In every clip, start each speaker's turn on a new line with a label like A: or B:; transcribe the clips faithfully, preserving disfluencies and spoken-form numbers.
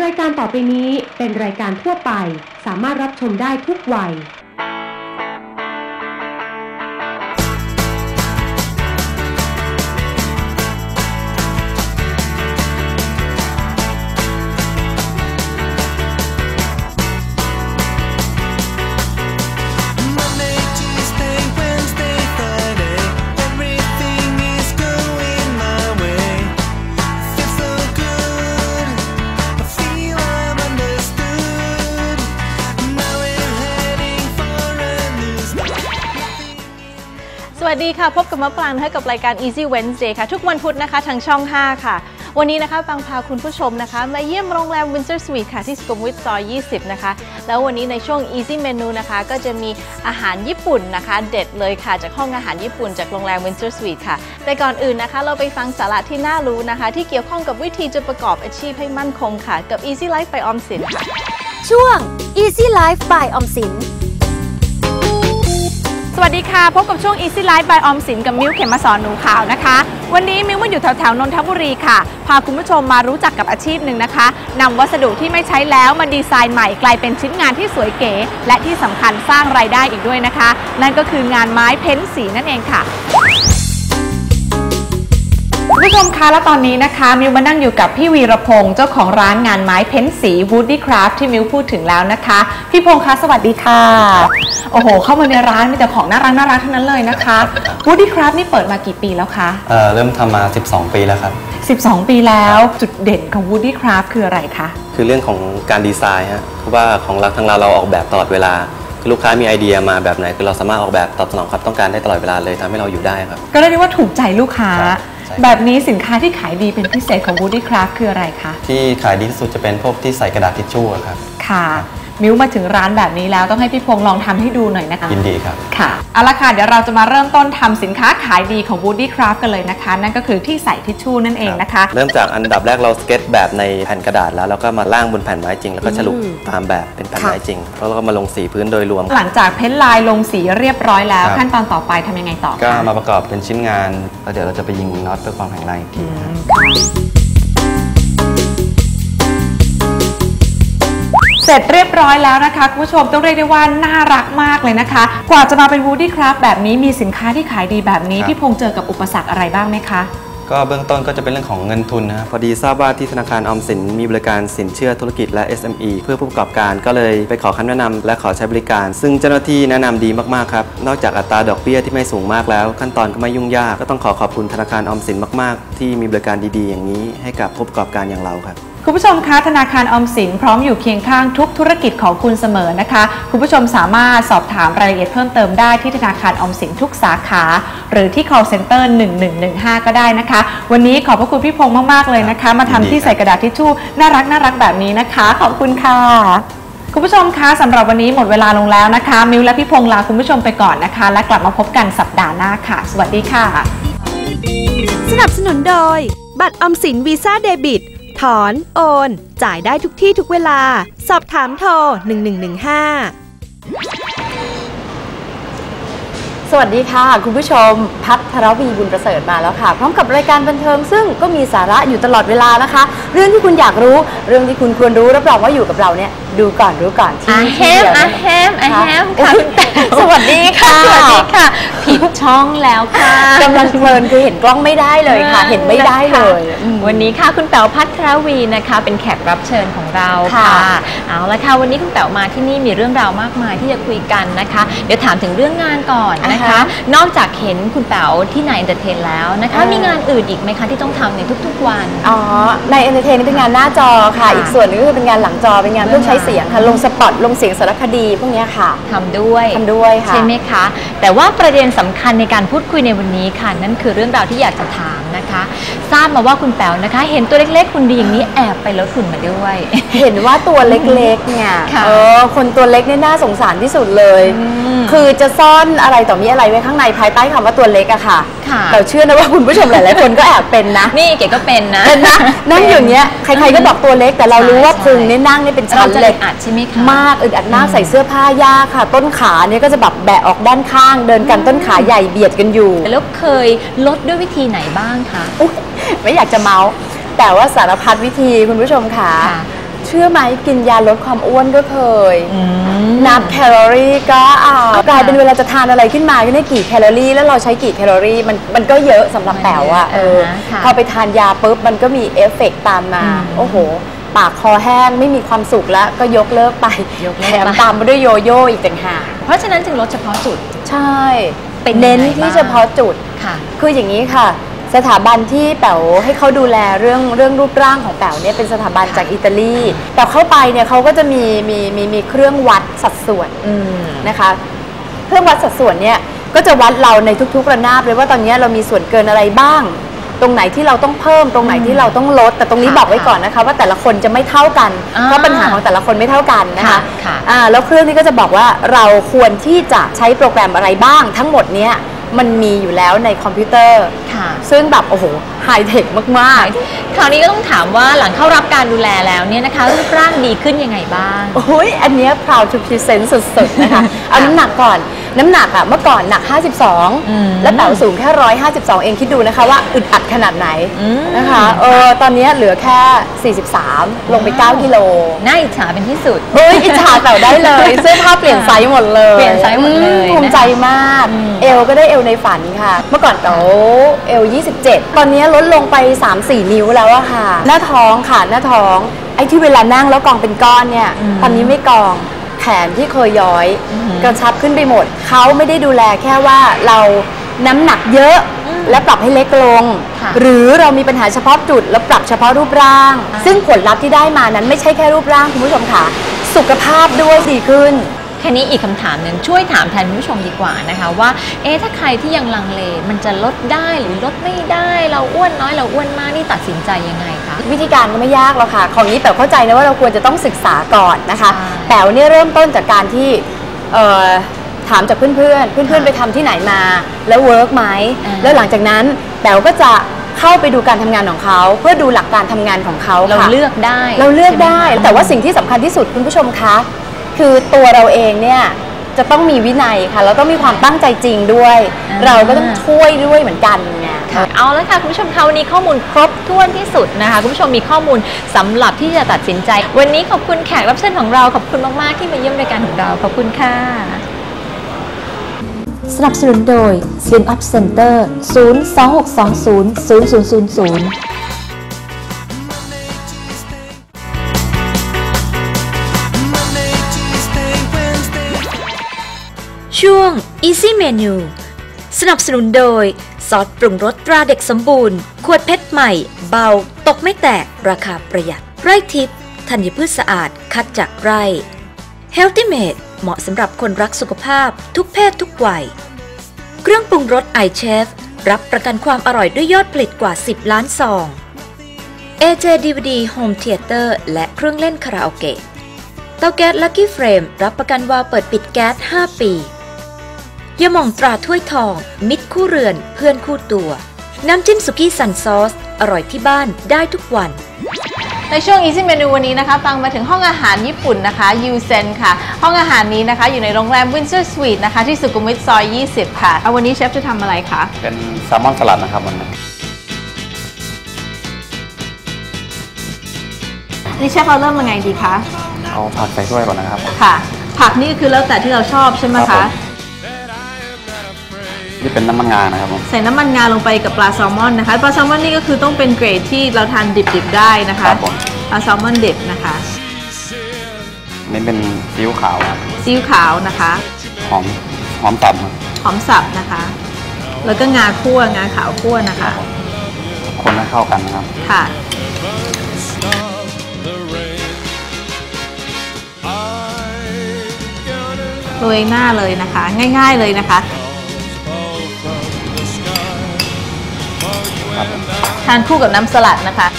A: ายการต่อไปนี้เป็นรายการทั่วไปสามารถรับชมได้ทุกวัย
B: สวัสดีค่ะพบกับมะปรางนะคะกับรายการ Easy Wednesday ค่ะทุกวันพุธนะคะทางช่องห้าค่ะวันนี้นะคะปรางพาคุณผู้ชมนะคะมาเยี่ยมโรงแรม Windsor Suite ค่ะที่สุขุมวิทซอยยี่สิบนะคะแล้ววันนี้ในช่วง Easy Menu นะคะก็จะมีอาหารญี่ปุ่นนะคะเด็ดเลยค่ะจากห้องอาหารญี่ปุ่นจากโรงแรม Windsor Suite ค่ะแต่ก่อนอื่นนะคะเราไปฟังสาระที่น่ารู้นะคะที่เกี่ยวข้องกับวิธีจะประกอบอาชีพให้มั่นคงค่ะกับ Easy Life by ออมสินค่ะ
C: ช่วง Easy Life by ออมสิน
B: สวัสดีค่ะพบกับช่วง Easy Life by ออมสินกับมิ้วเขมสอนหนูขาวนะคะวันนี้มิ้วมาอยู่แถวแถวนนทบุรีค่ะพาคุณผู้ชมมารู้จักกับอาชีพหนึ่งนะคะนำวัสดุที่ไม่ใช้แล้วมาดีไซน์ใหม่กลายเป็นชิ้นงานที่สวยเก๋และที่สำคัญสร้างรายได้อีกด้วยนะคะนั่นก็คืองานไม้เพ้นสีนั่นเองค่ะคุณผู้ชมคะและตอนนี้นะคะมิวมานั่งอยู่กับพี่วีรพงศ์เจ้าของร้านงานไม้เพ้นสี Woody Craft ที่มิวพูดถึงแล้วนะคะพี่พงศ์คะสวัสดีค่ะโอ้โหเข้ามาในร้านมีแต่ของน่ารักน่ารักทั้งนั้นเลยนะคะ Woody Craft นี่เปิดมากี่ปีแล้วคะ
D: เอ่อเริ่มทำมาสิบสองปีแล้วครับ
B: สิบสองปีแล้วจุดเด่นของ Woody Craft คืออะไรคะ
D: คือเรื่องของการดีไซน์ฮะเพราะว่าของเราทางเราเราออกแบบตลอดเวลาคือลูกค้ามีไอเดียมาแบบไหนคือเราสามารถออกแบบตอบสนองความต้องการได้ตลอดเวลาเลยทำให้เราอยู่ได้ครับ
B: ก็เรียกได้ว่าถูกใจลูกค้าแบบนี้สินค้าที่ขายดีเป็นพิเศษของ Woody Craft คืออะไรคะ
D: ที่ขายดีที่สุดจะเป็นพวกที่ใส่กระดาษทิชชู่ครับ
B: ค่ะมิ้วมาถึงร้านแบบนี้แล้วต้องให้พี่พงษ์ลองทำให้ดูหน่อยนะคะ
D: ยินดีครับ
B: ค่ะเอาละค่ะเดี๋ยวเราจะมาเริ่มต้นทำสินค้าขายดีของ Woody Craft กันเลยนะคะนั่นก็คือที่ใส่ทิชชู่นั่นเองนะคะ
D: เริ่มจากอันดับแรกเราสเก็ตแบบในแผ่นกระดาษแล้วแล้วก็มาล่างบนแผ่นไม้จริงแล้วก็ฉลุตามแบบเป็นแผ่นไม้จริงแล้วก็มาลงสีพื้นโดยรวม
B: หลังจากเพ้นลายลงสีเรียบร้อยแล้วขั้นตอนต่อไปทำยังไงต่อ
D: ก็มาประกอบเป็นชิ้นงานแล้วเดี๋ยวเราจะไปยิงน็อตเพื่อความแข็งแรงอีกที
B: เสร็จเรียบร้อยแล้วนะคะคุณผู้ชมต้องเรียกได้ว่าน่ารักมากเลยนะคะกว่าจะมาเป็น Woody Craft แบบนี้มีสินค้าที่ขายดีแบบนี้พี่พงษ์เจอกับอุปสรรคอะไรบ้างไหมคะ
D: ก็เบื้องต้นก็จะเป็นเรื่องของเงินทุนนะครับพอดีทราบว่าที่ธนาคารออมสินมีบริการสินเชื่อธุรกิจและ เอส เอ็ม อี เพื่อผู้ประกอบการก็เลยไปขอคำแนะนำและขอใช้บริการซึ่งเจ้าหน้าที่แนะนำดีมากๆครับนอกจากอัตราดอกเบี้ยที่ไม่สูงมากแล้วขั้นตอนก็ไม่ยุ่งยากก็ต้องขอขอบคุณธนาคารออมสินมากๆที่มีบริการดีๆอย่างนี้ให้กับผู้ประกอบการอย่างเราครับ
B: คุณผู้ชมคะธนาคารออมสินพร้อมอยู่เคียงข้างทุกธุรกิจของคุณเสมอนะคะคุณผู้ชมสามารถสอบถามรายละเอียดเพิ่มเติมได้ที่ธนาคารออมสินทุกสาขาหรือที่ call center หนึ่งหนึ่งหนึ่งห้าก็ได้นะคะวันนี้ขอบพระคุณพี่พงษ์มากๆเลยนะคะมาทำที่ใส่กระดาษทิชชู่น่ารักน่ารักแบบนี้นะคะขอบคุณค่ะคุณผู้ชมคะสำหรับวันนี้หมดเวลาลงแล้วนะคะมิวและพี่พงษ์ลาคุณผู้ชมไปก่อนนะคะและกลับมาพบกันสัปดาห์หน้าค่ะสวัสดีค่ะ
C: สนับสนุนโดยบัตรออมสินวีซ่าเดบิตถอนโอนจ่ายได้ทุกที่ทุกเวลาสอบถามโทรหนึ่งหนึ่งหนึ่งห้า
E: สวัสดีค่ะคุณผู้ชมพัทรวีบุญประเสริฐมาแล้วค่ะพร้อมกับรายการบันเทิงซึ่งก็มีสาระอยู่ตลอดเวลานะคะเรื่องที่คุณอยากรู้เรื่องที่คุณควรรู้รับรองว่าอยู่กับเราเนี่ยดูก่อนรู้ก่อนที่
B: ที่เดียวอาแฮมอาแฮมค่ะ
E: สวัสดีค่ะ
B: สวัสดีค่ะผิดช่องแล้วค่ะ
E: กำลังเพลินคือเห็นกล้องไม่ได้เลยค่ะเห็นไม่ได้เลย
B: วันนี้ค่ะคุณแป๋วพัทรวีนะคะเป็นแขกรับเชิญของเราค่ะเอาละค่ะวันนี้คุณแป๋วมาที่นี่มีเรื่องราวมากมายที่จะคุยกันนะคะเดี๋ยวถามถึงเรื่องงานก่อนนะคะนอกจากเห็นคุณแป๋วที่นายเอ็นเตอร์เทนแล้วนะคะมีงานอื่นอีกไหมคะที่ต้องทำในทุกๆวัน
E: อ๋อในเอ็นเตอร์เทนนี่เป็นงานหน้าจอค่ะอีกส่วนนึงก็คือเป็นงานหลังจอเป็นงานเรื่องใช้เสียงค่ะลงสปอตลงเสียงสารคดีพวกนี้ค่ะ
B: ทำด้วย
E: ทำด้วยค่ะ
B: ใช่ไหมคะแต่ว่าประเด็นสำคัญในการพูดคุยในวันนี้ค่ะนั่นคือเรื่องราวที่อยากจะถามนะคะทราบมาว่าคุณแป๋วนะคะเห็นตัวเล็กๆคุณดีอย่างนี้แอบไปลดหุ่นมาด้วย
E: เห็นว่าตัวเล็กๆเนี่ยเออคนตัวเล็กเนี่ยน่าสงสารที่สุดเลยคือจะซ่อนอะไรต่อมีอะไรไว้ข้างในภายใต้คำว่าตัวเล็กอะค่ะเราเชื่อนะว่าคุณผู้ชมหลายๆคนก็แอบเป็นนะ
B: นี่เก๋ก็เป็นนะ
E: เป็นนะนั่งอย่างเงี้ยใครๆก็บอกตัวเล็กแต่เรารู้ว่าพุงเนี่ยนั่งนี่เป็นชั้นเล็ก
B: อัดใช่ไหมคะ
E: มากอึดอัดมากใส่เสื้อผ้ายากค่ะต้นขาเนี่ยก็จะแบบแบะออกด้านข้างเดินกันต้นขาใหญ่เบียดกันอยู่
B: แล้วเคยลดด้วยวิธีไหนบ้างคะ
E: ไม่อยากจะเมาส์แต่ว่าสารพัดวิธีคุณผู้ชมค่ะเชื่อไหมกินยาลดความอ้วนก็เคยนับแคลอรี่ก็เอากลายเป็นเวลาจะทานอะไรขึ้นมาก็ได้กี่แคลอรี่แล้วเราใช้กี่แคลอรี่มันมันก็เยอะสำหรับแป๋วอะเออพอไปทานยาปุ๊บมันก็มีเอฟเฟกต์ตามมาโอ้โหปากคอแห้งไม่มีความสุขแล้วก็ยกเลิกไปแถมตามมาด้วยโยโย่อีกต่างหาก
B: เพราะฉะนั้นจึงลดเฉพาะจุด
E: ใช่เป็นเน้นที่เฉพาะจุดค่ะคืออย่างนี้ค่ะสถาบันที่แป๋วให้เขาดูแลเรื่องเรื่องรูปร่างของแป๋วเนี่ยเป็นสถาบันจากอิตาลีแต่เข้าไปเนี่ยเขาก็จะมีมีมีมีเครื่องวัดสัดส่วนนะคะเครื่องวัดสัดส่วนเนี่ยก็จะวัดเราในทุกๆระนาบเลยว่าตอนนี้เรามีส่วนเกินอะไรบ้างตรงไหนที่เราต้องเพิ่มตรงไหนที่เราต้องลดแต่ตรงนี้บอกไว้ก่อนนะคะว่าแต่ละคนจะไม่เท่ากันเพราะปัญหาของแต่ละคนไม่เท่ากันนะคะอ่าแล้วเครื่องนี้ก็จะบอกว่าเราควรที่จะใช้โปรแกรมอะไรบ้างทั้งหมดเนี้ยมันมีอยู่แล้วในคอมพิวเตอร์ซึ่งแบบโอ้โหไฮเทคมาก
B: ๆคราวนี้ก็ต้องถามว่าหลังเข้ารับการดูแลแล้วเนี่ยนะคะรูปร่างดีขึ้นยังไงบ้าง
E: โอ้ยอันนี้ proud to present สุดๆนะคะเอาน้ำหนักก่อนน้ำหนักอะเมื่อก่อนหนักห้าสิบสองแล้วแป๋วสูงแค่หนึ่งร้อยห้าสิบสองเองคิดดูนะคะว่าอึดอัดขนาดไหนนะคะเออตอนนี้เหลือแค่สี่สิบสามลงไปเก้ากิโล
B: น่าอิจฉาเป็นที่สุด
E: เฮ้ยอิจฉาแป๋วได้เลยเสื้อผ้าเปลี่ยนไซส์หมดเลย
B: เปลี่ยนไซส์หมดเลย
E: ภูมิใจมากเอวก็ได้เอวในฝันค่ะเมื่อก่อนแป๋วเอวยี่สิบเจ็ดตอนนี้ลดลงไป สามสี่ นิ้วแล้วอะค่ะหน้าท้องค่ะหน้าท้องไอ้ที่เวลานั่งแล้วกองเป็นก้อนเนี่ยตอนนี้ไม่กองแขนที่เคยย้อยกระชับขึ้นไปหมดเขาไม่ได้ดูแลแค่ว่าเราน้ำหนักเยอะและปรับให้เล็กลงหรือเรามีปัญหาเฉพาะจุดแล้วปรับเฉพาะรูปร่างซึ่งผลลัพธ์ที่ได้มานั้นไม่ใช่แค่รูปร่างคุณผู้ชมค่ะสุขภาพด้วยดีขึ้น
B: แค่นี้อีกคำถามหนึ่งช่วยถามแทนผู้ชมดีกว่านะคะว่าเอ๊ะถ้าใครที่ยังลังเลมันจะลดได้หรือลดไม่ได้เราอ้วนน้อยเราอ้วนมากนี่ตัดสินใจยังไงคะ
E: วิธีการก็ไม่ยากหรอกค่ะของนี้แป๋วเข้าใจนะว่าเราควรจะต้องศึกษาก่อนนะคะแป๋วเนี่ยเริ่มต้นจากการที่ถามจากเพื่อนเพื่อนเพื่อนเพื่อนไปทำที่ไหนมาแล้วเวิร์กไหมแล้วหลังจากนั้นแป๋วก็จะเข้าไปดูการทำงานของเขาเพื่อดูหลักการทำงานของเขา
B: เราเลือกได้
E: เราเลือกได้แต่ว่าสิ่งที่สำคัญที่สุดคุณผู้ชมคะคือตัวเราเองเนี่ยจะต้องมีวินัยค่ะเราต้องมีความตั้งใจจริงด้วยเราก็ต้องช่วยด้วยเหมือนกันไง
B: เอาแล้วค่ะคุณผู้ชมคะวันนี้ข้อมูลครบถ้วนที่สุดนะคะคุณผู้ชมมีข้อมูลสำหรับที่จะตัดสินใจวันนี้ขอบคุณแขกรับเชิญของเราขอบคุณมากๆที่มาเยี่ยมรายการของเราขอบคุณค่ะ
C: สนับสนุนโดย Slim Up Center ศูนย์ สอง หก สอง ศูนย์ ศูนย์ ศูนย์ ศูนย์ ศูนย์ช่วง Easy Menu สนับสนุนโดยซอสปรุงรสตราเด็กสมบูรณ์ขวดเพชรใหม่เบาตกไม่แตกราคาประหยัดไร่ทิพย์ธัญพืชสะอาดคัดจากไร่ Healthy Made เหมาะสำหรับคนรักสุขภาพทุกเพศทุกวัยเครื่องปรุงรส iChef รับประกันความอร่อยด้วยยอดผลิตกว่าสิบล้านซอง เอ เจ ดี วี ดี Home Theater และเครื่องเล่นคาราโอเกะเตาแก๊ส Lucky Flame รับประกันวาล์วเปิดปิดแก๊สห้าปียาหม่องตราถ้วยทองมิตรคู่เรือนเพื่อนคู่ตัวน้ำจิ้มสุกี้ซันซอสอร่อยที่บ้านได้ทุกวัน
B: ในช่วง Easy Menu วันนี้นะคะฟังมาถึงห้องอาหารญี่ปุ่นนะคะยูเซนค่ะห้องอาหารนี้นะคะอยู่ในโรงแรม Windsor Suite นะคะที่สุขุมวิทซอยยี่สิบค่ะเอาวันนี้เชฟจะทำอะไรคะ
D: เป็นแซลมอนสลัดนะครับวันนี้
B: นี่เชฟเราเริ่มยังไงดีคะ
D: เอาผักใส่ถ้วยก่อนนะครับ
B: ค่ะผักนี่คือแล้วแต่ที่เราชอบใช่ไหมคะ
D: นี่เป็นน้ำมันงานะครับผม
B: ใส่น้ำมันงาลงไปกับปลาแซลมอนนะคะปลาแซลมอนนี่ก็คือต้องเป็นเกรดที่เราทานดิบๆได้นะคะปลาแซลมอนดิบนะคะ
D: นี่เป็นซีอิ๊วขาว
B: ซีอิ๊วขาวนะคะ
D: หอมหอมสับ
B: หอมสับนะคะแล้วก็งาคั่วงาขาวคั่วนะคะ
D: คนให้เข้ากันนะครับ
B: ค่ะโรยหน้าเลยนะคะง่ายๆเลยนะคะทานคู่กับน้ำสลัดนะคะ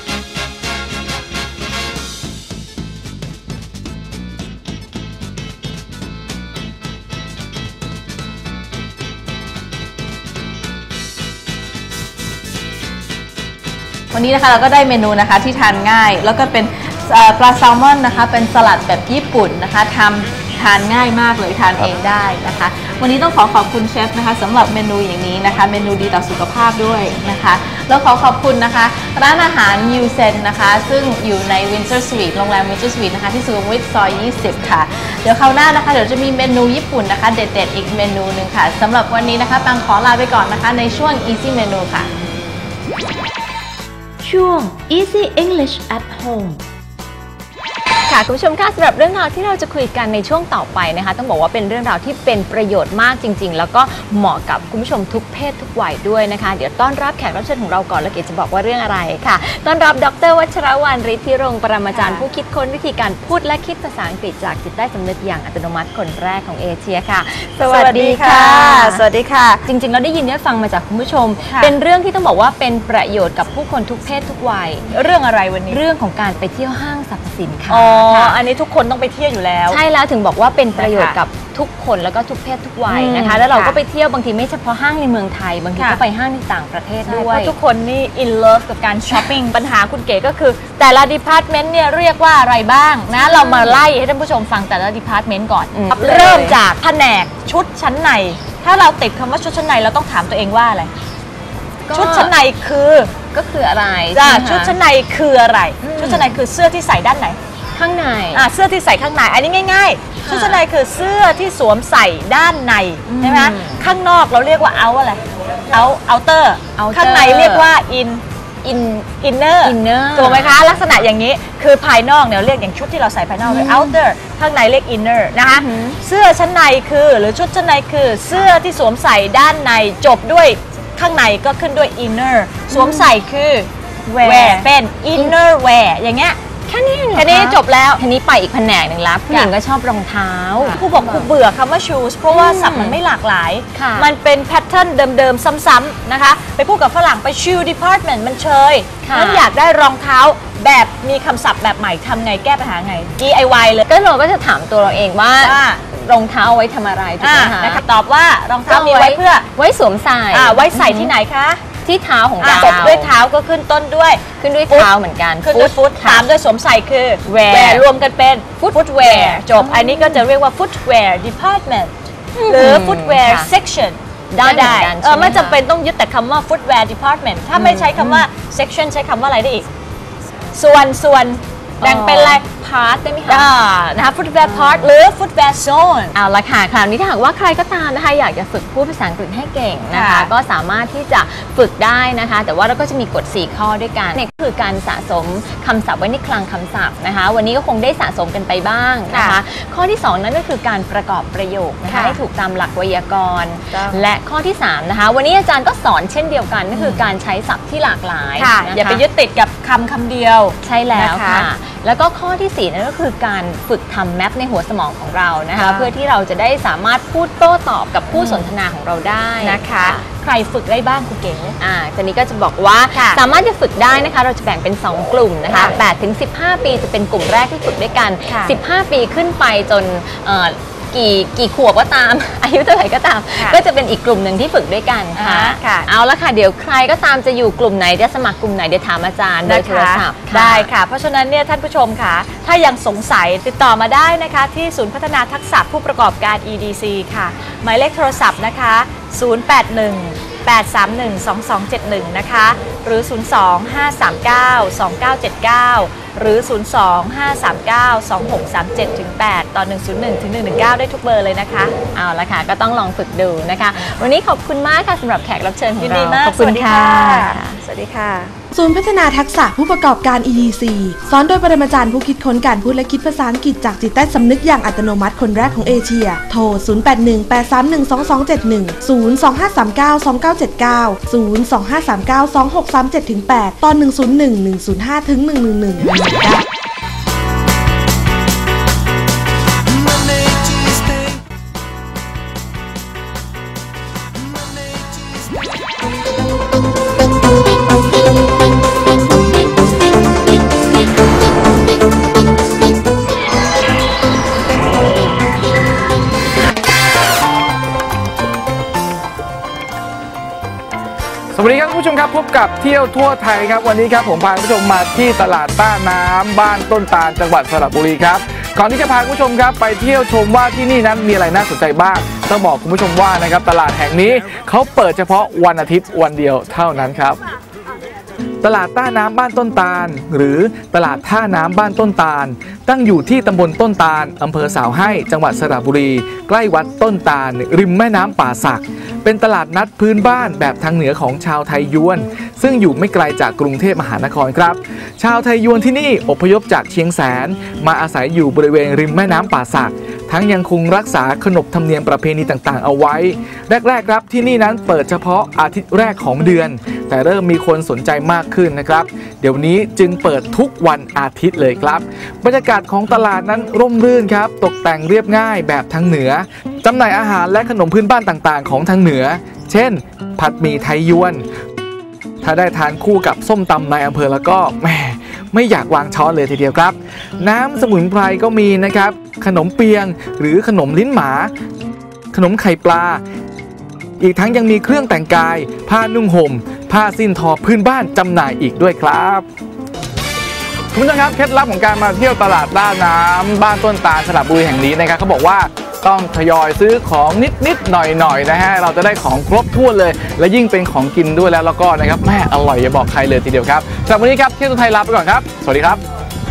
B: วันนี้นะคะเราก็ได้เมนูนะคะที่ทานง่ายแล้วก็เป็นปลาแซลมอนนะคะเป็นสลัดแบบญี่ปุ่นนะคะทำทานง่ายมากเลยทานเองได้นะคะวันนี้ต้องขอขอบคุณเชฟนะคะสำหรับเมนูอย่างนี้นะคะเมนูดีต่อสุขภาพด้วยนะคะแล้วขอขอบคุณนะคะร้านอาหารยูเซนนะคะซึ่งอยู่ใน Windsor Suite โรงแรม Windsor Suite นะคะที่สุขุมวิทซอยยี่สิบค่ะเดี๋ยวคราวหน้านะคะเดี๋ยวจะมีเมนูญี่ปุ่นนะคะเด็ดๆอีกเมนูหนึ่งค่ะสำหรับวันนี้นะคะปังขอลาไปก่อนนะคะในช่วง Easy Menu ค่ะ
C: ช่วง Easy English at Home
B: ค่ะคุณผู้ชมคะสำหรับเรื่องราวที่เราจะคุยกันในช่วงต่อไปนะคะต้องบอกว่าเป็นเรื่องราวที่เป็นประโยชน์มากจริงๆแล้วก็เหมาะกับคุณผู้ชมทุกเพศทุกวัยด้วยนะคะเดี๋ยวต้อนรับแขกรับเชิญของเราก่อนแล้วเกดจะบอกว่าเรื่องอะไรค่ะต้อนรับดร.วัชรวรรณฤทธิรงค์ปรมาจารย์ผู้คิดค้นวิธีการพูดและคิดภาษาอังกฤษจากจิตใต้สำนึกอย่างอัตโนมัติคนแรกของเอเชียค่ะสวัสดีค่ะสวัสดีค่ะจริงๆเราได้ยินได้ฟังมาจากคุณผู้ชมเป็นเรื่องที่ต้องบอกว่าเป็นประโยชน์กับผู้คนทุกเพศทุกวัยเรื่องอะไรวันนี้เรื่องของการไปเที่ยวห้างสรรพสินค้าอันนี้ทุกคนต้องไปเที่ยวอยู่แล้วใช่แล้วถึงบอกว่าเป็นประโยชน์กับทุกคนแล้วก็ทุกเพศทุกวัยนะคะแล้วเราก็ไปเที่ยวบางทีไม่เฉพาะห้างในเมืองไทยบางทีก็ไปห้างในต่างประเทศด้วยเพราะทุกคนนี่ in love กับการช้อปปิ้งปัญหาคุณเก๋ก็คือแต่ละ department เนี่ยเรียกว่าอะไรบ้างนะเรามาไล่ให้ท่านผู้ชมฟังแต่ละ department ก่อนเริ่มจากแผนกชุดชั้นในถ้าเราติดคำว่าชุดชั้นในเราต้องถามตัวเองว่าอะไรชุดชั้นในคือก็คืออะไรจ้ะชุดชั้นในคืออะไรชุดชั้นในคือเสื้อที่ใส่ด้านไหนข้างในอ่ะเสื้อที่ใส่ข้างในอันนี้ง่ายๆชุดชั้นในคือเสื้อที่สวมใส่ด้านในใช่ไหมข้างนอกเราเรียกว่าเอาอะไรเอาเอาเตอร์ข้างในเรียกว่าอินอินอินเนอร์ถูกไหมคะลักษณะอย่างนี้คือภายนอกเนี่ยเรียกอย่างชุดที่เราใส่ภายนอกเลย outer ข้างในเรียก inner นะคะเสื้อชั้นในคือหรือชุดชั้นในคือเสื้อที่สวมใส่ด้านในจบด้วยข้างในก็ขึ้นด้วย inner สวมใส่คือ wear เป็น inner wear อย่างเงี้ยแค่นี้แค่นี้จบแล้วทีนี้ไปอีกแผนกหนึ่งแล้วผู้หญิงก็ชอบรองเท้าครูบอกครูเบื่อคำว่า shoes เพราะว่าศัพท์มันไม่หลากหลายมันเป็นแพทเทิร์นเดิมๆซ้ำๆนะคะไปพูดกับฝรั่งไป shoe department มันเชยฉันอยากได้รองเท้าแบบมีคำศัพท์แบบใหม่ทำไงแก้ปัญหาไง ดี ไอ วาย เลยก็เราก็จะถามตัวเราเองว่ารองเท้าไว้ทำอะไรถูกไหมคะนะคะตอบว่ารองเท้ามีไว้เพื่อไว้สวมใส่ไว้ใส่ที่ไหนคะที่เท้าของเราจบด้วยเท้าก็ขึ้นต้นด้วยขึ้นด้วยเท้าเหมือนกันขึ้นด้วยฟุตตามด้วยสวมใส่คือ wear รวมกันเป็น footwear จบอันนี้ก็จะเรียกว่า footwear department หรือ footwear section ได้ได้เออไม่จำเป็นต้องยึดแต่คำว่า footwear department ถ้าไม่ใช้คำว่า section ใช้คำว่าอะไรได้อีกส่วนส่วนแบ่งเป็นอะไร part ได้ไหมคะนะคะ footwear part หรือ footwear zone เอาละค่ะคราวนี้ถ้าหากว่าใครก็ตามนะคะอยากจะฝึกพูดภาษาอังกฤษให้เก่งนะคะก็สามารถที่จะฝึกได้นะคะแต่ว่าเราก็จะมีกฎสี่ข้อด้วยกันนี่ก็คือการสะสมคำศัพท์ไว้ในคลังคำศัพท์นะคะวันนี้ก็คงได้สะสมกันไปบ้างนะคะข้อที่สองนั่นก็คือการประกอบประโยคนะคะให้ถูกตามหลักไวยากรณ์และข้อที่สามนะคะวันนี้อาจารย์ก็สอนเช่นเดียวกันก็คือการใช้ศัพท์ที่หลากหลายอย่าไปยึดติดกับคำคำเดียวใช่แล้วค่ะแล้วก็ข้อที่สี่นั่นก็คือการฝึกทำแมปในหัวสมองของเรานะคะเพื่อที่เราจะได้สามารถพูดโต้ตอบกับผู้สนทนาของเราได้นะคะใครฝึกได้บ้างคุณเก๋อ่าทีนี้ก็จะบอกว่าสามารถจะฝึกได้นะคะเราจะแบ่งเป็นสองกลุ่มนะคะแปดถึงสิบห้าปีจะเป็นกลุ่มแรกที่ฝึกด้วยกันสิบห้าปีขึ้นไปจนกี่กี่ขวบก็ตามอายุเท่าไหร่ก็ตามก็จะเป็นอีกกลุ่มหนึ่งที่ฝึกด้วยกันค่ะเอาละค่ะเดี๋ยวใครก็ตามจะอยู่กลุ่มไหนจะสมัครกลุ่มไหนเดี๋ยวถามอาจารย์โดยโทรศัพท์ได้ค่ะเพราะฉะนั้นเนี่ยท่านผู้ชมค่ะถ้ายังสงสัยติดต่อมาได้นะคะที่ศูนย์พัฒนาทักษะผู้ประกอบการ อี ดี ซี ค่ะหมายเลขโทรศัพท์นะคะศูนย์ แปด หนึ่ง แปด สาม หนึ่ง สอง สอง เจ็ด หนึ่งนะคะหรือ ศูนย์ สอง ห้า สาม เก้า สอง เก้า เจ็ด เก้าหรือ ศูนย์ สอง ห้า สาม เก้า สอง หก สาม เจ็ด ถึง แปด ต่อ หนึ่ง ศูนย์ หนึ่ง ถึง หนึ่ง หนึ่ง เก้า ได้ทุกเบอร์เลยนะคะเอาละค่ะก็ต้องลองฝึกดูนะคะวันนี้ขอบคุณมากค่ะสำหรับแขกรับเชิญของเราขอบคุณค่ะสวัสดีค่ะ
F: ศูนย์พัฒนาทักษะผู้ประกอบการ อี ดี ซี สอนโดยปรมาจารย์ผู้คิดค้นการพูดและคิดภาษาอังกฤษจากจิตใต้สำนึกอย่างอัตโนมัติคนแรกของเอเชียโทร ศูนย์ แปด หนึ่ง แปด สาม หนึ่ง สอง สอง เจ็ด หนึ่ง ศูนย์ สอง ห้า สาม เก้า สอง เก้า เจ็ด เก้า ศูนย์ สอง ห้า สาม เก้า สอง หก สาม เจ็ด ถึง แปด ตอน หนึ่ง ศูนย์ หนึ่ง หนึ่ง ศูนย์ ห้า ถึง หนึ่ง หนึ่ง หนึ่ง
G: สวัสดีครับคุณผู้ชมครับพบกับเที่ยวทั่วไทยครับวันนี้ครับผมพาคุณผู้ชมมาที่ตลาดต้าน้ำบ้านต้นตาลจังหวัดสระบุรีครับก่อนที่จะพาคุณผู้ชมครับไปเที่ยวชมว่าที่นี่นั้นมีอะไรน่าสนใจบ้างต้องบอกคุณผู้ชมว่านะครับตลาดแห่งนี้เขาเปิดเฉพาะวันอาทิตย์วันเดียวเท่านั้นครับตลาดต้าน้ำบ้านต้นตาลหรือตลาดท่าน้ำบ้านต้นตาลตั้งอยู่ที่ตำบลต้นตาลอำเภอสาวให้จังหวัดสระบุรีใกล้วัดต้นตาลริมแม่น้ำป่าสักเป็นตลาดนัดพื้นบ้านแบบทางเหนือของชาวไทยยวนซึ่งอยู่ไม่ไกลจากกรุงเทพมหานครครับชาวไทยยวนที่นี่อพยพจากเชียงแสนมาอาศัยอยู่บริเวณริมแม่น้ำป่าสักทั้งยังคงรักษาขนบธรรมเนียมประเพณีต่างๆเอาไว้แรกๆครับที่นี่นั้นเปิดเฉพาะอาทิตย์แรกของเดือนแต่เริ่มมีคนสนใจมากขึ้นนะครับเดี๋ยวนี้จึงเปิดทุกวันอาทิตย์เลยครับบรรยากาศของตลาดนั้นร่มรื่นครับตกแต่งเรียบง่ายแบบทางเหนือจำหน่ายอาหารและขนมพื้นบ้านต่างๆของทางเหนือเช่นผัดหมี่ไทยยวนถ้าได้ทานคู่กับส้มตำในอำเภอแล้วก็แหมไม่อยากวางช้อนเลยทีเดียวครับน้ำสมุนไพรก็มีนะครับขนมเปียงหรือขนมลิ้นหมาขนมไข่ปลาอีกทั้งยังมีเครื่องแต่งกายผ้านุ่งห่มผ้าสิ้นทอพื้นบ้านจำหน่ายอีกด้วยครับคุณผู้ชมครับเคล็ดลับของการมาเที่ยวตลาดต้าน้ำบ้านต้นตาลสระบุรีแห่งนี้นะครับเขาบอกว่าต้องทยอยซื้อของนิดๆหน่อยๆนะฮะเราจะได้ของครบถ้วนเลยและยิ่งเป็นของกินด้วยแล้วแล้วก็นะครับแม่อร่อยอย่าบอกใครเลยทีเดียวครับสำหรับวันนี้ครับเที่ยวไทยลาไปก่อนครับสวัสดีครับ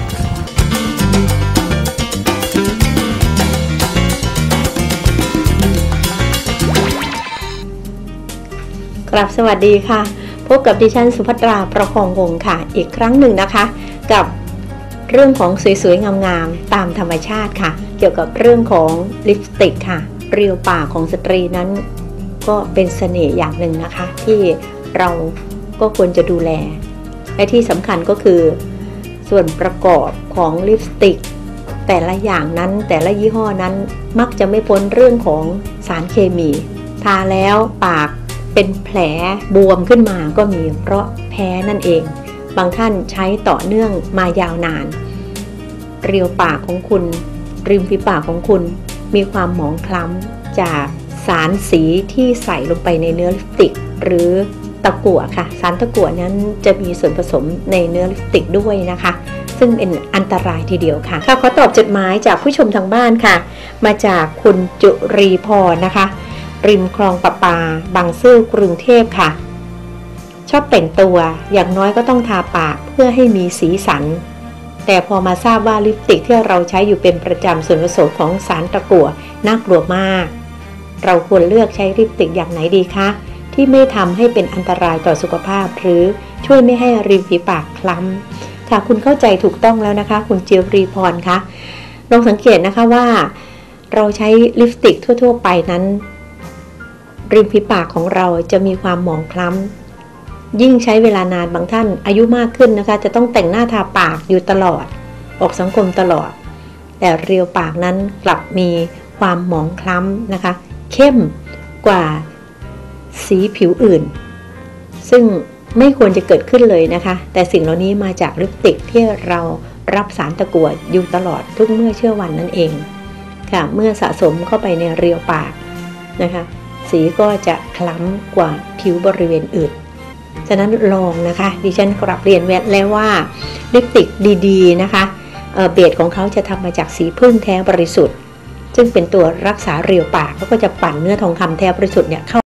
H: กราบสวัสดีค่ะพบกับดิฉันสุภัตราประคองวงศ์ค่ะอีกครั้งหนึ่งนะคะกับเรื่องของสวยๆงามๆตามธรรมชาติค่ะเกี่ยวกับเรื่องของลิปสติกค่ะเรียวปากของสตรีนั้นก็เป็นเสน่ห์อย่างหนึ่งนะคะที่เราก็ควรจะดูแลและที่สำคัญก็คือส่วนประกอบของลิปสติกแต่ละอย่างนั้นแต่ละยี่ห้อนั้นมักจะไม่พ้นเรื่องของสารเคมีทาแล้วปากเป็นแผลบวมขึ้นมาก็มีเพราะแพ้นั่นเองบางท่านใช้ต่อเนื่องมายาวนานเรียวปากของคุณริมฝีปากของคุณมีความหมองคล้ำจากสารสีที่ใส่ลงไปในเนื้อลิปสติกหรือตะกั่วค่ะสารตะกั่วนั้นจะมีส่วนผสมในเนื้อลิปสติกด้วยนะคะซึ่งเป็นอันตรายทีเดียวค่ะค่ะขอตอบจดหมายจากผู้ชมทางบ้านค่ะมาจากคุณจุรีพรนะคะริมคลองประปาบางซื่อกรุงเทพค่ะชอบแต่งตัวอย่างน้อยก็ต้องทาปากเพื่อให้มีสีสันแต่พอมาทราบว่าลิปสติกที่เราใช้อยู่เป็นประจำส่วนผสมของสารตะกั่วน่ากลัวมากเราควรเลือกใช้ลิปสติกอย่างไหนดีคะที่ไม่ทำให้เป็นอันตรายต่อสุขภาพหรือช่วยไม่ให้ริมฝีปากคล้ำค่ะคุณเข้าใจถูกต้องแล้วนะคะคุณเจียวรีพรคะลองสังเกตนะคะว่าเราใช้ลิปสติกทั่วๆไปนั้นริมฝีปากของเราจะมีความหมองคล้ำยิ่งใช้เวลานานบางท่านอายุมากขึ้นนะคะจะต้องแต่งหน้าทาปากอยู่ตลอดออกสังคมตลอดแต่เรียวปากนั้นกลับมีความหมองคล้ำนะคะเข้มกว่าสีผิวอื่นซึ่งไม่ควรจะเกิดขึ้นเลยนะคะแต่สิ่งเหล่านี้มาจากลิปสติกที่เรารับสารตะกั่วอยู่ตลอดทุกเมื่อเชื่อวันนั่นเองค่ะเมื่อสะสมเข้าไปในเรียวปากนะคะสีก็จะคล้ำกว่าผิวบริเวณอื่นฉะนั้นลองนะคะดิฉันกลับเรียนแวดแล้วว่าลิปสติกดีๆนะคะ เ, เบสของเขาจะทำมาจากสีผึ้งแท้บริสุทธิ์ซึ่งเป็นตัวรักษาเรียวปากแล้วก็จะปั่นเนื้อทองคำแท้บริสุทธิ์เนี่ยเข้า